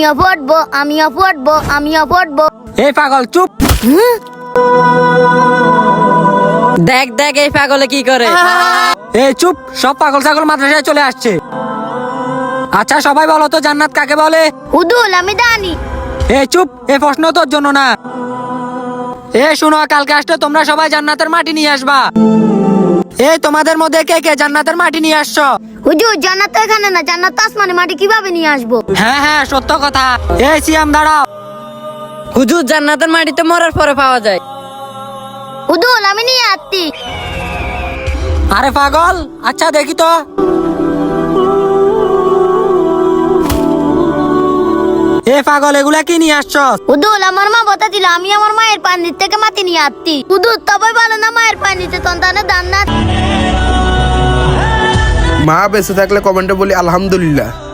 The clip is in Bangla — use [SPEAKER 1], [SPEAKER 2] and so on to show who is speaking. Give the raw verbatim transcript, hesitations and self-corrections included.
[SPEAKER 1] আমিও পড়বো আমিও পড়বো আমিও পড়বো।
[SPEAKER 2] এই পাগল চুপ।
[SPEAKER 3] দেখ দেখ এই পাগলে কি করে।
[SPEAKER 2] এই চুপ, সব পাগল ছাগল মাদ্রাসায় চলে আসছে। আচ্ছা সবাই বলো তো জান্নাত কাকে বলে?
[SPEAKER 1] হুদুল আমি জানি।
[SPEAKER 2] এই চুপ, এই প্রশ্ন তোর জন্য না। এ শুনো, কালকে আসলে তোমরা সবাই জান্নাতের মাটি নিয়ে আসবা। এই তোমাদের মধ্যে কে কে জান্নাতের মাটি নিয়ে আসছো?
[SPEAKER 1] হুজুর জান্নাত তো এখানে না, জান্নাত তো আসমানে, মাটি কিভাবে নিয়ে আসবো?
[SPEAKER 2] হ্যাঁ হ্যাঁ সত্য কথা। এই সিয়াম দাঁড়াও।
[SPEAKER 3] হুজুর জান্নাতের মাটিতে মরার পরে পাওয়া যায়।
[SPEAKER 1] হুদুল আমি নিয়ে আসছি।
[SPEAKER 2] আরে পাগল, আচ্ছা দেখি তো। এ পাগল, এগুলা কি নিয়ে আসছো?
[SPEAKER 1] হুদুল আমার মা বতা দিল, আমি আমার মায়ের পানির থেকে মাটি নিয়ে আসছি। হুদুল তবে বলো না মায়ের পানিতে সন্তানের জান্নাত।
[SPEAKER 4] মা বেঁচে থাকলে কমেন্টে বলি আলহামদুলিল্লাহ।